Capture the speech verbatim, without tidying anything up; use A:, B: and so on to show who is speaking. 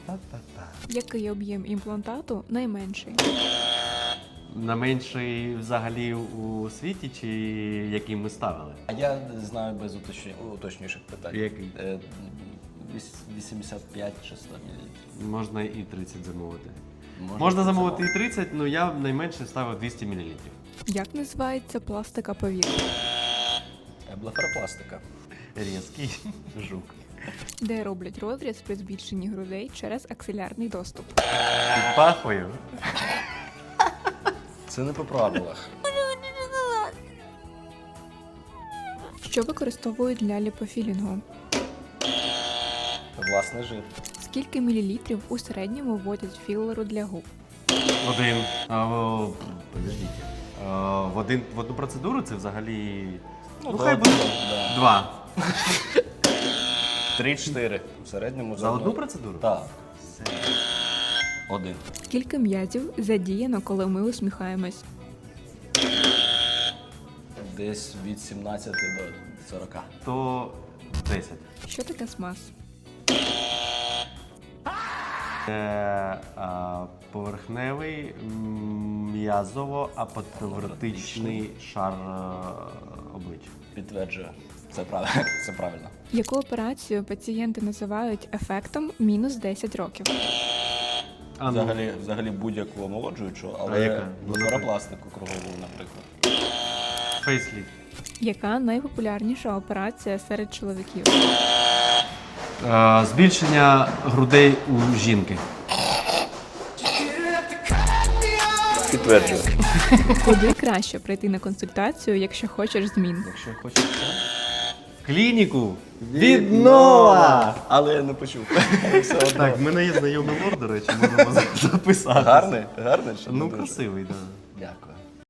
A: Та-та-та.
B: Який об'єм імплантату найменший?
A: На менший взагалі у світі чи який ми ставили?
C: А я знаю без уточні... уточніших питань.
A: Який?
C: Е, віс- вісімдесят п'ять чи сто мл.
A: Можна і тридцять замовити.
C: Можна,
A: Можна замовити і тридцять, але я найменше ставив двісті мілілітрів.
B: Як називається пластика повітря?
C: Блефаропластика.
A: Різкий жук.
B: Де роблять розріз при збільшенні грудей через аксилярний доступ?
A: Під пахвою.
C: Це не по правилах.
B: Що використовують для ліпофілінгу?
C: Власний жир.
B: Скільки мілілітрів у середньому вводять філеру для губ?
A: Один. А, о, подождіть. А, в, один, в одну процедуру це взагалі. Ну, хай буде.
C: Да.
A: Два.
C: Три-чотири. В середньому
A: За одну процедуру?
C: Так. Один.
B: Скільки м'язів задіяно, коли ми усміхаємось?
C: Десь від сімнадцяти до сорока.
A: То десять.
B: Що таке смаз?
A: Це а, поверхневий м, м'язово-апотевротичний шар а, обличчя.
C: Підтверджую. Це правильно. Це правильно.
B: Яку операцію пацієнти називають ефектом мінус десять років?
A: А, ну,
C: Взагалі, взагалі будь-яку омолоджуючу,
A: А
C: але
A: яка?
C: блефаропластику кругову, наприклад.
A: фейсліфт.
B: Яка найпопулярніша операція серед чоловіків?
A: А, збільшення грудей у жінки.
C: Підтверджую.
B: Куди краще прийти на консультацію, якщо хочеш змін?
C: Якщо хочеш це.
A: Клініку віднова!
C: Але я не почув. Все одно.
A: Так, в мене є знайомий лор, до речі, можемо записати.
C: Гарний? Гарний? Чи не
A: Ну,
C: дуже?
A: красивий, так. Да.
C: Дякую.